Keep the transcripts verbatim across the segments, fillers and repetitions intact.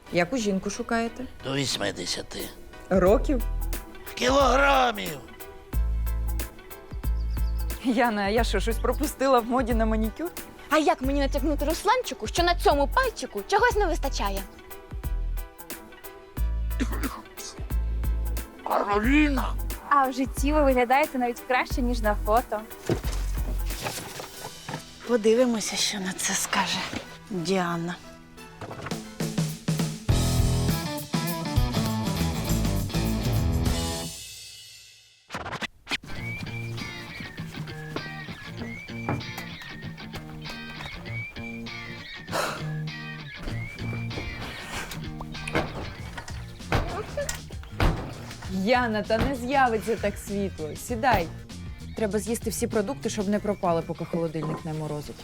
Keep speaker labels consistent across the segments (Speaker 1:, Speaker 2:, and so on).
Speaker 1: Яку жінку шукаєте?
Speaker 2: До вісімдесяти.
Speaker 1: Років?
Speaker 2: Кілограмів.
Speaker 1: Яна, а я що, щось пропустила в моді на манікюр?
Speaker 3: А як мені натякнути Русланчику, що на цьому пальчику чогось не вистачає?
Speaker 2: Кароліна.
Speaker 3: А в житті ви виглядаєте навіть краще, ніж на фото.
Speaker 4: Подивимося, що на це скаже Діана.
Speaker 1: Яна, та не з'явиться так світло. Сідай. Треба з'їсти всі продукти, щоб не пропали, поки холодильник не морозить.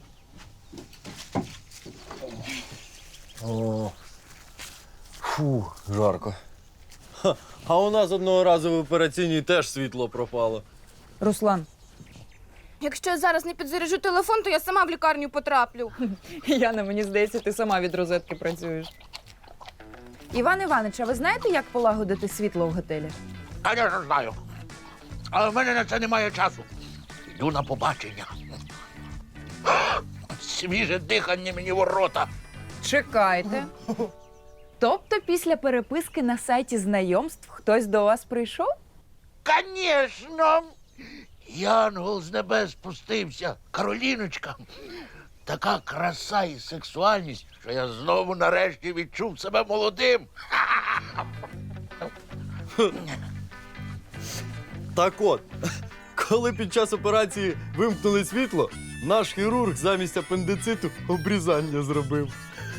Speaker 5: О, фу, жарко. Ха, а у нас одного разу в операційній теж світло пропало.
Speaker 1: Руслан,
Speaker 3: Якщо я зараз не підзаряджу телефон, то я сама в лікарню потраплю.
Speaker 1: Яна, мені здається, ти сама від розетки працюєш. Іван Іванович, а ви знаєте, як полагодити світло в готелі?
Speaker 2: Конечно, знаю. Але в мене на це немає часу. Йду на побачення. Свіже дихання мені в рота.
Speaker 1: Чекайте. Тобто після переписки на сайті знайомств хтось до вас прийшов?
Speaker 2: Конечно! Янгол з небес спустився. Кароліночка. Така краса і сексуальність, що я знову нарешті відчув себе молодим.
Speaker 5: Так от, коли під час операції вимкнули світло, наш хірург замість апендициту обрізання зробив.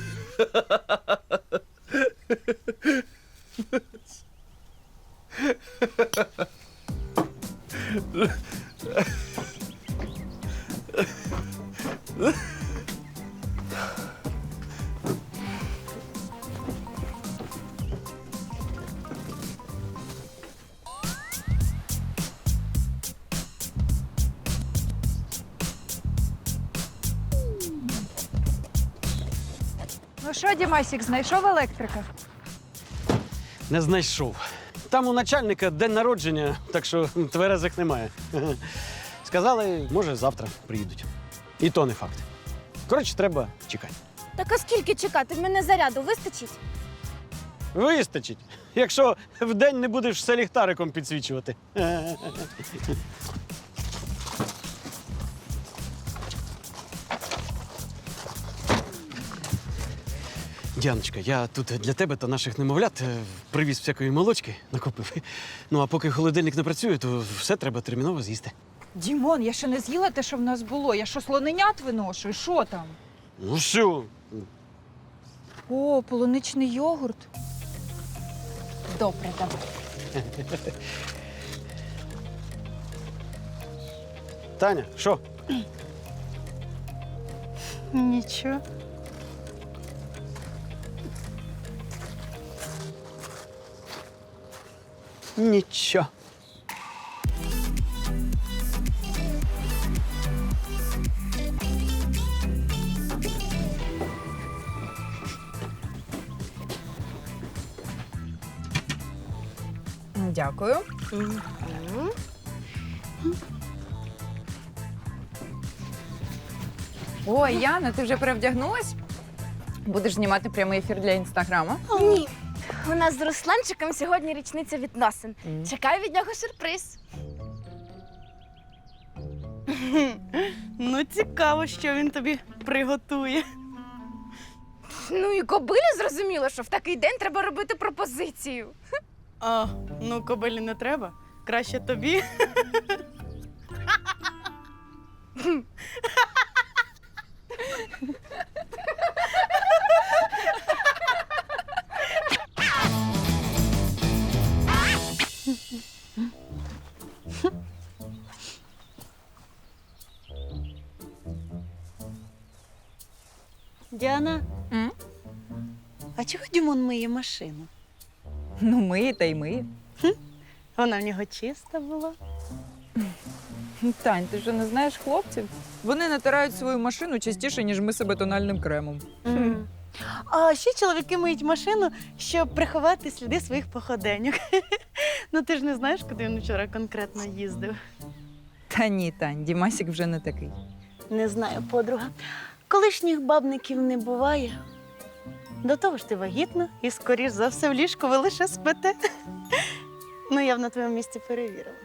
Speaker 6: Ну що, Дімасік, знайшов електрика?
Speaker 7: Не знайшов. Там у начальника день народження, так що тверезих немає. Сказали, може, завтра приїдуть. І то не факт. Коротше, треба чекати.
Speaker 3: Так а скільки чекати? В мене заряду вистачить?
Speaker 7: Вистачить, якщо вдень не будеш все ліхтариком підсвічувати. Діаночка, я тут для тебе та наших немовлят е, привіз всякої молочки, накупив. Ну, а поки холодильник не працює, то все треба терміново з'їсти.
Speaker 6: Дімон, я ще не з'їла те, що в нас було. Я що, слоненят виношую? Що там?
Speaker 7: Ну що?
Speaker 6: О, полуничний йогурт. Добре, давай.
Speaker 7: Таня, що?
Speaker 4: Нічого.
Speaker 7: Нічого.
Speaker 1: Дякую. Ой, Яна, ти вже перевдягнулась? Будеш знімати прямий ефір для інстаграму?
Speaker 3: Ні. У нас з Русланчиком сьогодні річниця відносин.
Speaker 1: Мгм.
Speaker 3: Чекаю від нього сюрприз.
Speaker 4: Ну, цікаво, що він тобі приготує.
Speaker 3: Ну і кобилі зрозуміло, що в такий день треба робити пропозицію.
Speaker 4: А, ну, кобилі не треба. Краще тобі. Діана,
Speaker 1: М?
Speaker 4: а чого Дімон миє машину?
Speaker 1: Ну, миє та й миє.
Speaker 4: Вона в нього чиста була.
Speaker 1: Тань, ти що не знаєш хлопців? Вони натирають свою машину частіше, ніж ми себе тональним кремом.
Speaker 4: А ще чоловіки миють машину, щоб приховати сліди своїх походеньок. Ну ти ж не знаєш, куди він вчора конкретно їздив.
Speaker 1: Та ні, Тань, Дімасік вже не такий.
Speaker 4: Не знаю, подруга. Колишніх бабників не буває. До того ж ти вагітна і, скоріш за все, в ліжку ви лише спите. Ну, я б на твоєму місці перевірила.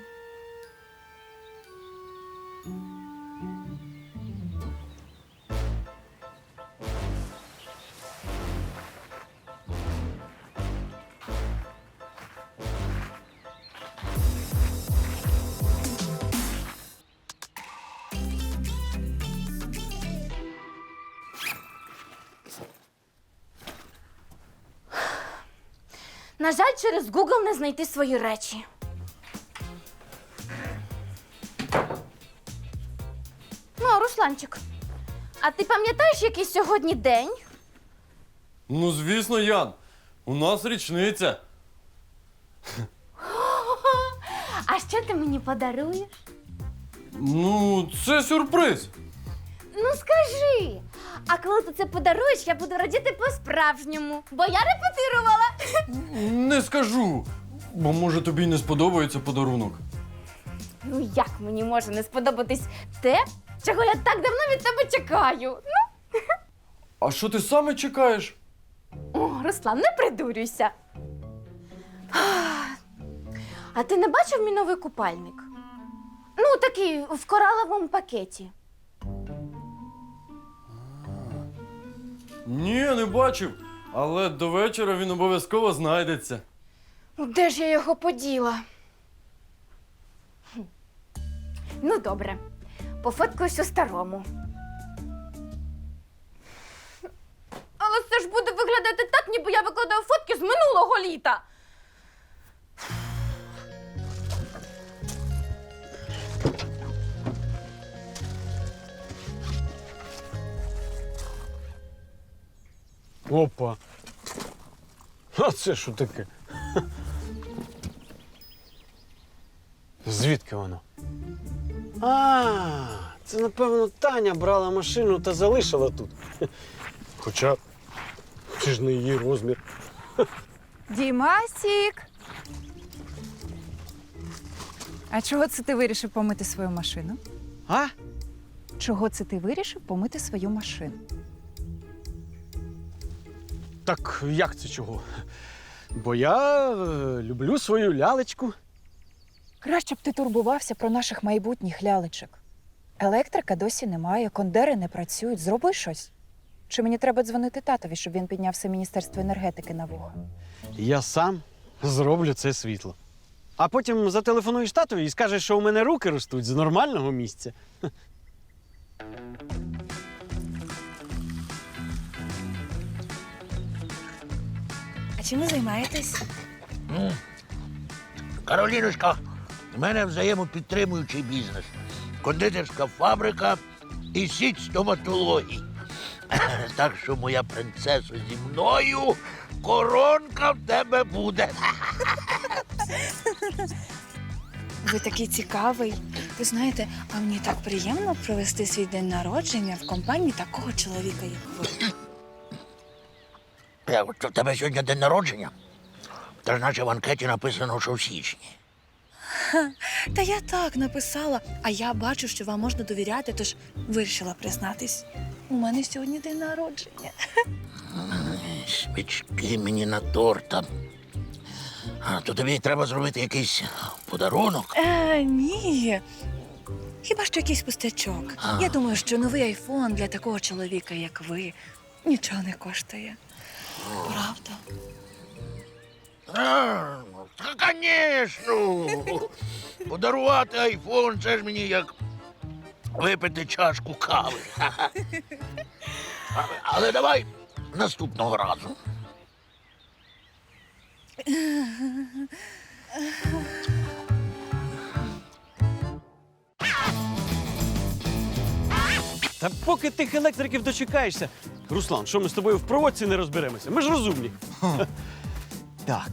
Speaker 3: На жаль, через Google не знайти свої речі. Ну, а, Русланчик, а ти пам'ятаєш, який сьогодні день?
Speaker 5: Ну, звісно, Ян. У нас річниця.
Speaker 3: А що ти мені подаруєш?
Speaker 5: Ну, це сюрприз.
Speaker 3: Ну скажи. А коли ти це подаруєш, я буду радіти по-справжньому, бо я репетирувала.
Speaker 5: Не скажу. Бо може тобі й не сподобається подарунок.
Speaker 3: Ну як мені може не сподобатись те, чого я так давно від тебе чекаю?
Speaker 5: А що ти саме чекаєш?
Speaker 3: О, Руслан, не придурюйся. А ти не бачив мій новий купальник? Ну, такий в кораловому пакеті.
Speaker 5: Ні, не бачив. Але до вечора він обов'язково знайдеться.
Speaker 3: Ну, де ж я його поділа? Хм. Ну, добре. Пофоткаюсь у старому. Але це ж буде виглядати так, ніби я викладаю фотки з минулого літа.
Speaker 7: Опа. А це що таке? Звідки воно? А, це, напевно, Таня брала машину та залишила тут. Хоча це ж не її розмір.
Speaker 1: Дімасік! А чого це ти вирішив помити свою машину?
Speaker 7: А?
Speaker 1: Чого це ти вирішив помити свою машину?
Speaker 7: Так як це чого? Бо я е, люблю свою лялечку.
Speaker 1: Краще б ти турбувався про наших майбутніх лялечок. Електрика досі немає, кондери не працюють. Зроби щось. Чи мені треба дзвонити татові, щоб він підняв все Міністерство енергетики на вуха?
Speaker 7: Я сам зроблю це світло. А потім зателефонуєш татові і скажеш, що у мене руки ростуть з нормального місця.
Speaker 8: А чим ви займаєтесь?
Speaker 2: Ну, Кароліночка, в мене взаємопідтримуючий бізнес. Кондитерська фабрика і сіть стоматологій. Так що, моя принцесо, зі мною коронка в тебе буде.
Speaker 8: Ви такий цікавий. Ви знаєте, а мені так приємно провести свій день народження в компанії такого чоловіка, як ви.
Speaker 2: Е, от В тебе сьогодні день народження? Та ж наче в анкеті написано, що в січні.
Speaker 8: Та я так написала, а я бачу, що вам можна довіряти, тож вирішила признатись. У мене сьогодні день народження.
Speaker 2: Свічки мені на торта. А, то тобі треба зробити якийсь подарунок.
Speaker 8: Е, ні. Хіба що якийсь пустячок.
Speaker 2: А.
Speaker 8: Я думаю, що новий айфон для такого чоловіка, як ви, нічого не коштує. Правда?
Speaker 2: А, ну, та, звісно. Подарувати айфон, це ж мені як випити чашку кави. А- Але давай наступного разу.
Speaker 7: Та поки тих електриків дочекаєшся. Руслан, що ми з тобою в проводці не розберемося? Ми ж розумні.
Speaker 5: Так.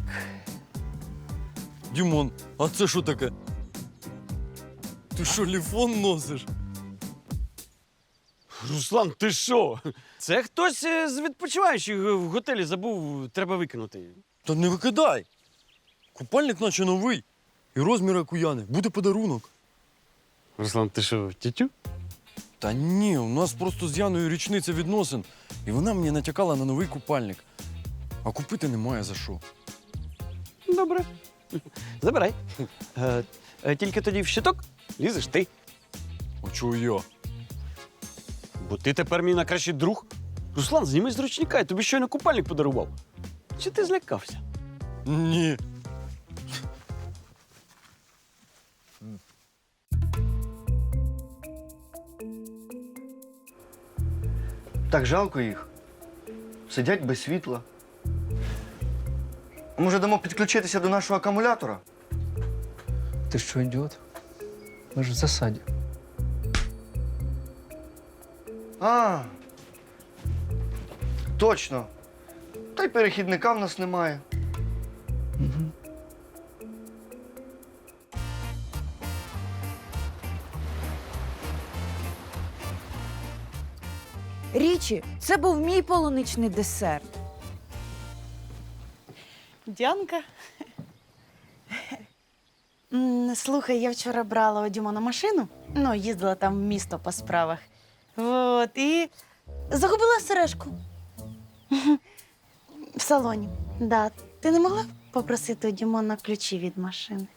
Speaker 5: Дімон, а це що таке? Ти що, ліфон носиш?
Speaker 7: Руслан, ти що? Це хтось е, з відпочиваючих в готелі забув, треба викинути.
Speaker 5: Та не викидай. Купальник наче новий. І розмір як у Яни. Буде подарунок.
Speaker 7: Руслан, ти що, тютю?
Speaker 5: Та ні, у нас просто з Яною річниця відносин. І вона мені натякала на новий купальник. А купити немає за що.
Speaker 7: Добре. Забирай. Е, е, тільки тоді в щиток лізеш ти.
Speaker 5: А чого я?
Speaker 7: Бо ти тепер мій найкращий друг. Руслан, зніми з ручника, я тобі щойно купальник подарував. Чи ти злякався?
Speaker 5: Ні.
Speaker 9: Так жалко їх. Сидять без світла. А може, дамо підключитися до нашого акумулятора?
Speaker 10: Ты что, идиот? Мы же в засаде.
Speaker 9: А, точно. Та й перехідника в нас немає.
Speaker 1: Річі, це був мій полуничний десерт.
Speaker 4: Дянка. М, Слухай, я вчора брала у Дімона машину, ну, їздила там в місто по справах. От, і загубила сережку. В салоні. Да. Ти не могла б попросити у Дімона ключі від машини?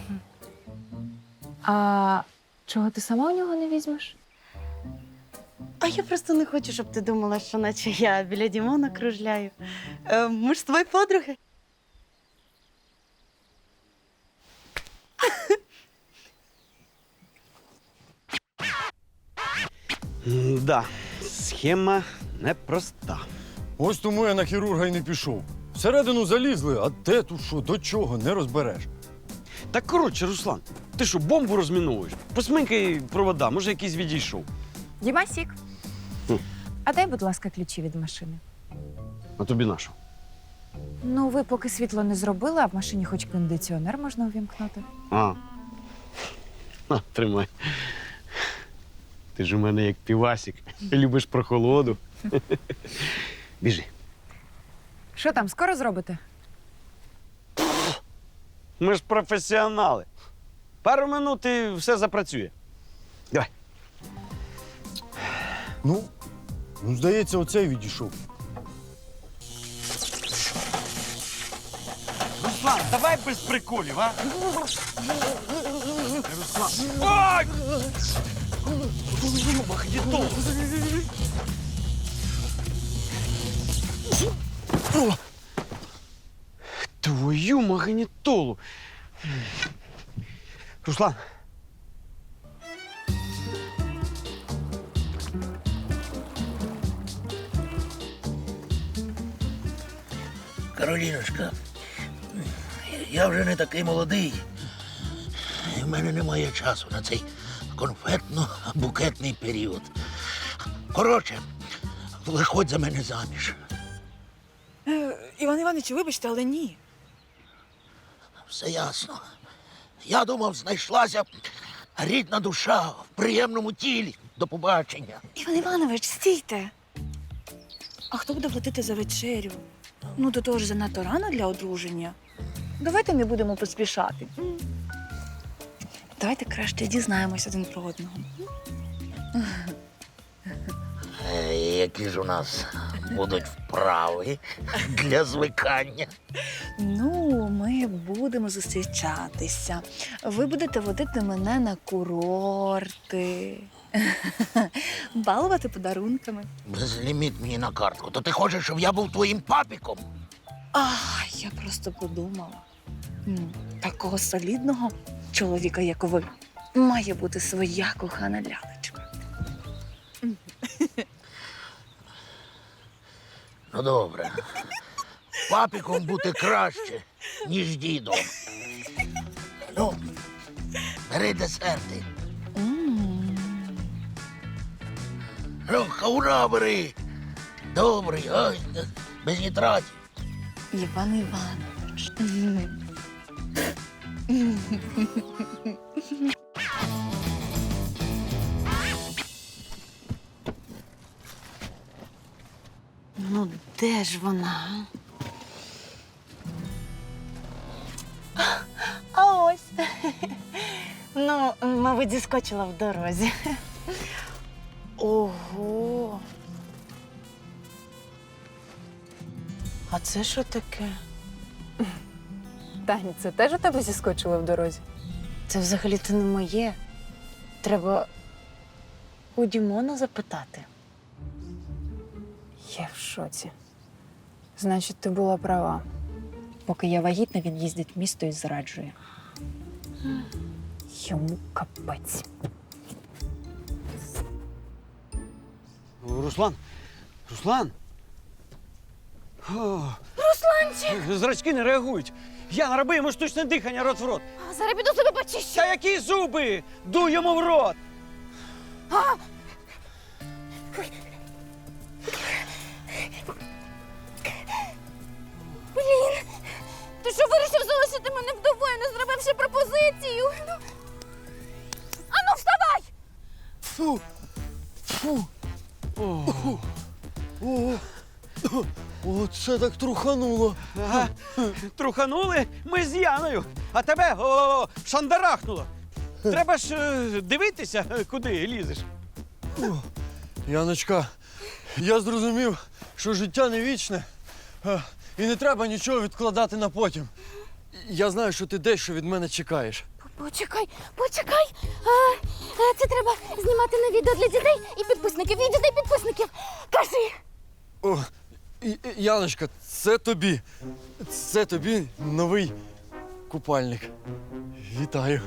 Speaker 1: А чого ти сама у нього не візьмеш?
Speaker 4: А я просто не хочу, щоб ти думала, що наче я біля Дімона кружляю. Е, ми ж з твої подруги.
Speaker 7: Да, схема непроста.
Speaker 5: Ось тому я на хірурга й не пішов. Всередину залізли, а де тут що, до чого, не розбереш.
Speaker 7: Так коротше, Руслан, ти що, бомбу розміновуєш? Посмикай провода, може якийсь відійшов.
Speaker 1: Дімасік,
Speaker 7: Хм.
Speaker 1: а дай, будь ласка, ключі від машини.
Speaker 7: А тобі на що?
Speaker 1: Ну, ви поки світло не зробили, а в машині хоч кондиціонер можна увімкнути.
Speaker 7: А. А, тримай. Ти ж у мене як півасік. Любиш прохолоду. Біжи.
Speaker 1: Що там, скоро зробите?
Speaker 7: Ми ж професіонали. Пару минут і все запрацює. Давай.
Speaker 5: Ну, ну, здається, оцей відійшов.
Speaker 7: Руслан, давай без приколів, а? Руслан. Ой! Магнітол! О! Твою магнітолу! Руслан!
Speaker 2: Кароліночка, я вже не такий молодий. І в мене немає часу на цей конфетно-букетний період. Коротше, виходь за мене заміж.
Speaker 8: Іван Іванович, вибачте, але ні.
Speaker 2: Все ясно. Я думав, знайшлася рідна душа в приємному тілі. До побачення.
Speaker 8: Іван Іванович, стійте. А хто буде платити за вечерю? Ну, до того ж занадто рано для одруження. Давайте не будемо поспішати. Давайте краще дізнаємось один про одного.
Speaker 2: Е, Які ж у нас будуть вправи для звикання.
Speaker 8: Ну, ми будемо зустрічатися. Ви будете водити мене на курорти, балувати подарунками.
Speaker 2: Безліміт мені на картку. То ти хочеш, щоб я був твоїм папіком?
Speaker 8: А, я просто подумала. М, Такого солідного чоловіка, як ви, має бути своя кохана лялечка.
Speaker 2: Ну, добре. Папіком бути краще, ніж дідом. Ну, бери десерти.
Speaker 8: М.
Speaker 2: Ну, хаура бери. Добрий, ой, без нітратів.
Speaker 8: Іван Іванович.
Speaker 4: Ну, де ж вона? а? А ось. Ну, мабуть, зіскочила в дорозі. Ого. А це що таке?
Speaker 1: Тань, це теж у тебе зіскочило в дорозі?
Speaker 4: Це взагалі-то не моє. Треба у Дімона запитати.
Speaker 1: Я в шоці. Значить, ти була права. Поки я вагітна, він їздить в місто і зраджує. Йому капець.
Speaker 7: Руслан? Руслан? Русланчик! Зрачки не реагують. Яна, роби йому штучне дихання рот в рот.
Speaker 3: Зараз піду зуби почищу.
Speaker 7: Та які зуби? Дуй йому в рот!
Speaker 3: Ти що вирішив залишити мене вдовою, не зробивши пропозицію? Ну. Ану, вставай!
Speaker 5: Фу. Фу. О, о, оце так трухануло.
Speaker 7: Ага. Труханули ми з Яною, а тебе о, шандарахнуло. Треба ж е, дивитися, куди лізеш.
Speaker 5: Яночка, я зрозумів, що життя не вічне, а, і не треба нічого відкладати на потім. Я знаю, що ти дещо від мене чекаєш.
Speaker 3: Почекай, почекай. А, а, це треба знімати на відео для дітей і підписників, і дітей підписників. Кажи.
Speaker 5: О, і- і- Яночка, це тобі. Це тобі новий купальник. Вітаю.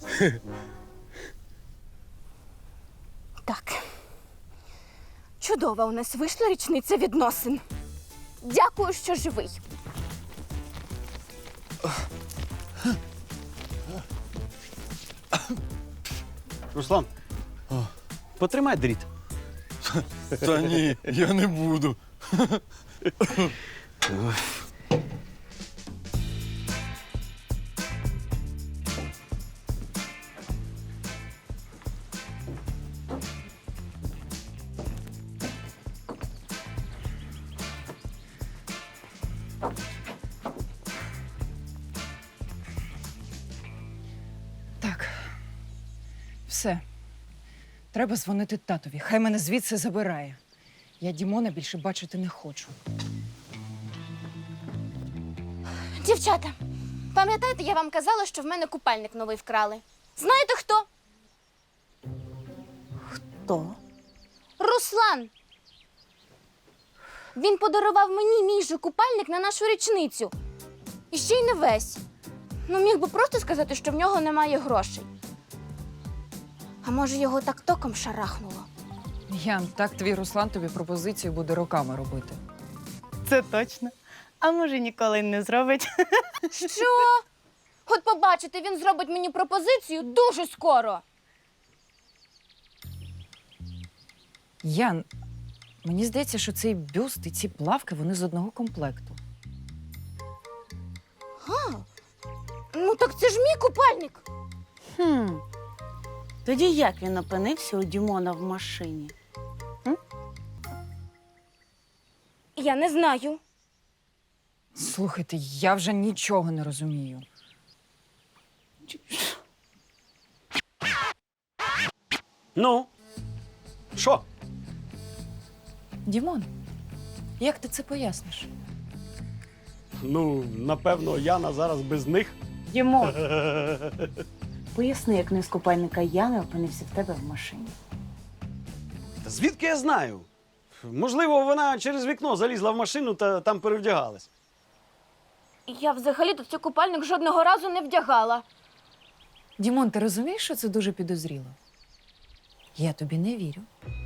Speaker 3: Так. Чудова у нас вийшла річниця відносин. Дякую, що живий.
Speaker 7: Руслан, потримай дріт.
Speaker 5: Та ні, я не буду.
Speaker 1: Так. Все. Треба дзвонити татові. Хай мене звідси забирає. Я Дімона більше бачити не хочу.
Speaker 3: Дівчата, пам'ятаєте, я вам казала, що в мене купальник новий вкрали? Знаєте хто?
Speaker 4: Хто?
Speaker 3: Руслан. Він подарував мені мій же купальник на нашу річницю. І ще й не весь. Ну, міг би просто сказати, що в нього немає грошей. А може, його так током шарахнуло?
Speaker 1: Ян, так твій Руслан тобі пропозицію буде роками робити.
Speaker 4: Це точно. А може, ніколи й не зробить.
Speaker 3: Що? От побачите, він зробить мені пропозицію дуже скоро.
Speaker 1: Ян, мені здається, що цей бюст і ці плавки, вони з одного комплекту.
Speaker 3: Ну так це ж мій купальник.
Speaker 4: Хм. Тоді як він опинився у Дімона в машині?
Speaker 3: Я не знаю.
Speaker 1: Слухайте, я вже нічого не розумію.
Speaker 7: Ну, що?
Speaker 1: Дімон, як ти це поясниш?
Speaker 7: Ну, напевно, Яна зараз без них.
Speaker 4: Дімон, поясни, як не з купальника Яни опинився в тебе в машині.
Speaker 7: Та звідки я знаю? Можливо, вона через вікно залізла в машину та там перевдягалась.
Speaker 3: Я взагалі-то цей купальник жодного разу не вдягала.
Speaker 1: Дімон, ти розумієш, що це дуже підозріло? Я тобі не вірю.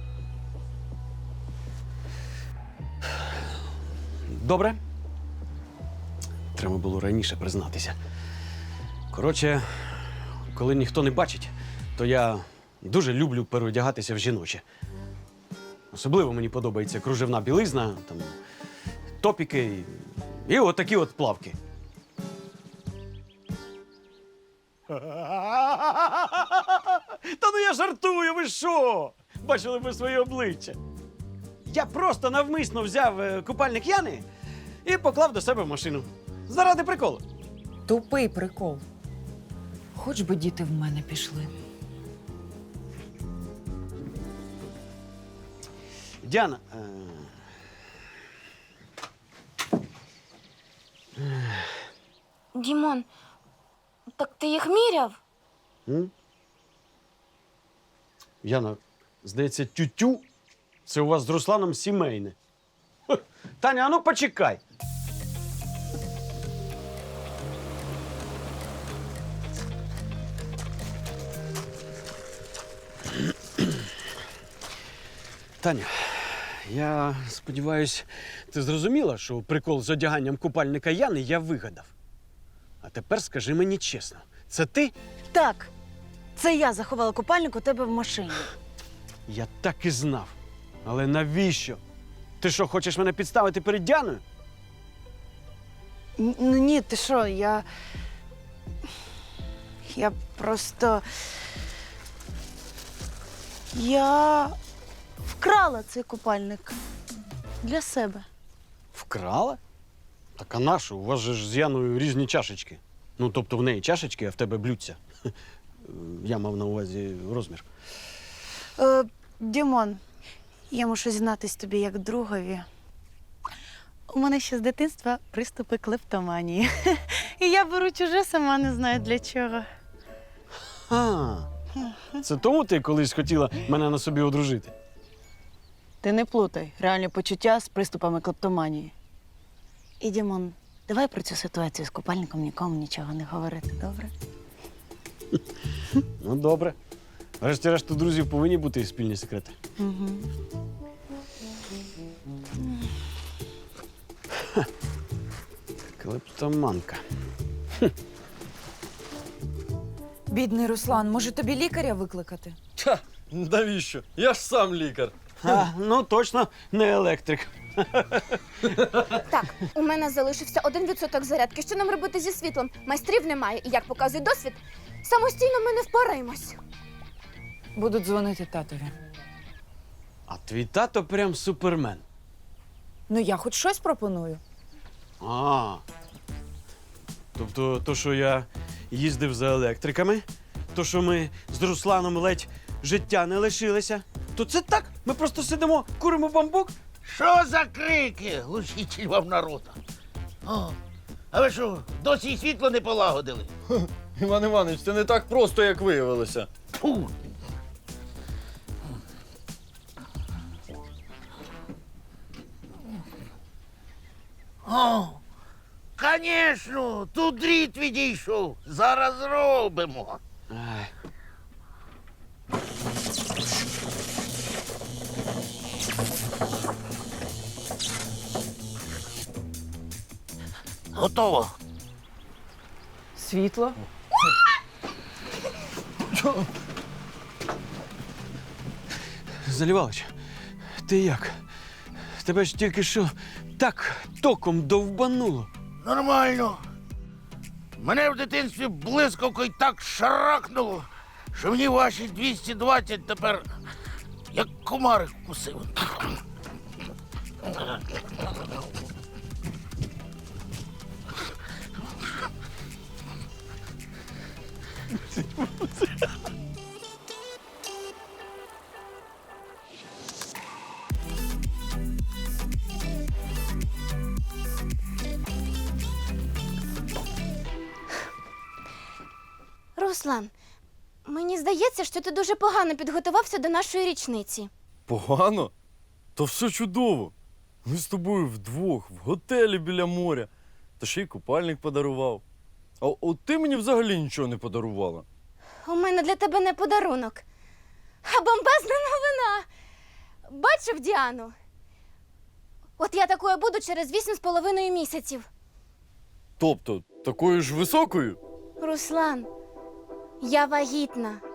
Speaker 7: Добре. Треба було раніше признатися. Коротше, коли ніхто не бачить, то я дуже люблю переодягатися в жіноче. Особливо мені подобається кружевна білизна, там, топіки і, і отакі от плавки. Та ну я жартую, ви що? Бачили ви своє обличчя. Я просто навмисно взяв е, купальник Яни і поклав до себе в машину. Заради приколу.
Speaker 1: Тупий прикол. Хоч би діти в мене пішли.
Speaker 7: Діана. Е...
Speaker 3: Дімон, так ти їх міряв?
Speaker 7: М? Яна, здається, тютю це у вас з Русланом сімейне. Хе. Таня, а ну почекай. Таня, я сподіваюсь, ти зрозуміла, що прикол з одяганням купальника Яни я вигадав. А тепер скажи мені чесно, це ти?
Speaker 4: Так, це я заховала купальник у тебе в машині.
Speaker 7: Я так і знав. Але навіщо? Ти що, хочеш мене підставити перед Діаною?
Speaker 4: Н- Ну ні, ти що, я. Я просто. Я вкрала цей купальник для себе.
Speaker 7: Вкрала? Так а нашу? У вас же ж з Яною різні чашечки. Ну, тобто в неї чашечки, а в тебе блюдця. Я мав на увазі розмір.
Speaker 4: Е, Дімон, я мушу зізнатись тобі як другові. У мене ще з дитинства приступи клептоманії. І я беру чуже, сама не знаю для чого.
Speaker 7: А, це тому ти колись хотіла мене на собі одружити?
Speaker 4: Ти не плутай реальні почуття з приступами клептоманії. І, Дімон, давай про цю ситуацію з купальником нікому нічого не говорити, добре?
Speaker 7: Ну, добре. Врешті-решт, у друзів повинні бути спільні секрети.
Speaker 4: Угу.
Speaker 7: Клептоманка.
Speaker 1: Бідний Руслан, може тобі лікаря викликати?
Speaker 5: Та, навіщо? Я ж сам лікар.
Speaker 7: А, ну, точно не електрик.
Speaker 3: Так, у мене залишився один відсоток зарядки. Що нам робити зі світлом? Майстрів немає. І як показує досвід, самостійно ми не впораємось.
Speaker 1: Буду дзвонити татові.
Speaker 7: А твій тато прям супермен.
Speaker 1: Ну я хоч щось пропоную.
Speaker 7: А. Тобто, то, що я їздив за електриками, то, що ми з Русланом ледь життя не лишилися, то це так. Ми просто сидимо, куримо бамбук.
Speaker 2: Що за крики? Глушитель вам народу. О, а ви що, досі й світло не полагодили?
Speaker 5: Іван Іванович, це не так просто, як виявилося.
Speaker 2: Фу. О, звісно, тут дріт відійшов. Зараз зробимо.
Speaker 7: Ай.
Speaker 2: Готово.
Speaker 1: Світло?
Speaker 7: Залівалич, ти як? Тебе ж тільки що так током довбануло.
Speaker 2: Нормально. Мене в дитинстві блискавкою так шарахнуло, що мені ваші двісті двадцять тепер як комарик вкусив.
Speaker 3: Руслан, мені здається, що ти дуже погано підготувався до нашої річниці.
Speaker 5: Погано? То все чудово. Ми з тобою вдвох, в готелі біля моря. Та ще й купальник подарував. А от ти мені взагалі нічого не подарувала.
Speaker 3: У мене для тебе не подарунок, а бомбезна новина. Бачив Діану? От я такою буду через вісім з половиною місяців.
Speaker 5: Тобто, такою ж високою?
Speaker 3: Руслан, я вагітна.